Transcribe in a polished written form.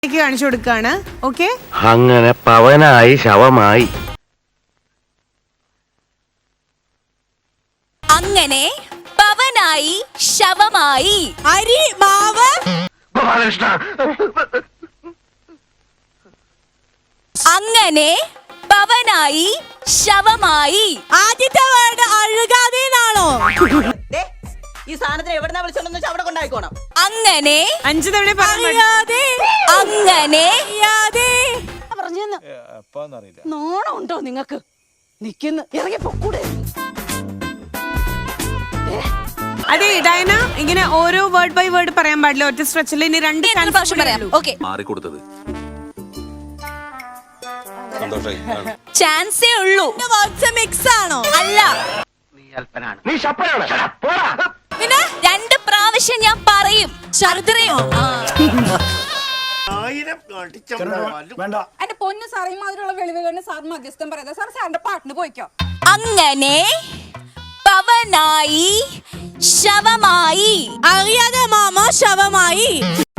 കാണിച്ചു കൊടുക്കാണ്. ഓക്കെ, അങ്ങനെ പവനായി ശവമായി. അങ്ങനെ പവനായി ശവമായി. അരി മാവ് ഗോപാലകൃഷ്ണ, അങ്ങനെ പവനായി ശവമായി. ആദ്യത്തെ വേർഡ് അഴുകാതെ എന്നാണോ? ഈ സാധനത്തിന് എവിടുന്നാ വിളിച്ചോണ്ടെന്ന് വെച്ചാൽ അവിടെ കൊണ്ടായിക്കോണം. അങ്ങനെ 5 തവണ അറിയാതെ അങ്ങനെ പറഞ്ഞെന്ന് നോണം ഉണ്ടോ നിങ്ങക്ക്? നിക്കുന്നു ഇറങ്ങി പൊക്കൂടെ? അതെ ഡയന, ഇങ്ങനെ ഓരോ വേർഡ് ബൈ വേർഡ് പറയാൻ പാടില്ല ഒറ്റ സ്ട്രെച്ചിൽ. ഇനി 2 പ്രാവശ്യം പറയാം. ഓക്കെ, മാറിക്കൊടുത്തത് ചാൻസേ ഉള്ളൂ. മിക്സ് ആണോ? അല്ല, നീ ശപ്പനാണ്. പോടാ. പിന്നെ 2 പ്രാവശ്യം ഞാൻ പറയും. ശർദ്ദയോ എന്റെ പൊന്നു സാറേ, മാതിരിയുള്ള വെളിവുകളിന് സാർ മധ്യസ്ഥം പറയാതെ സാർ സാറിന്റെ പാട്ടിന് പോയിക്കോ. അങ്ങനെ പവനായി ശവമായി. അറിയാതെ മാമ ശവമായി.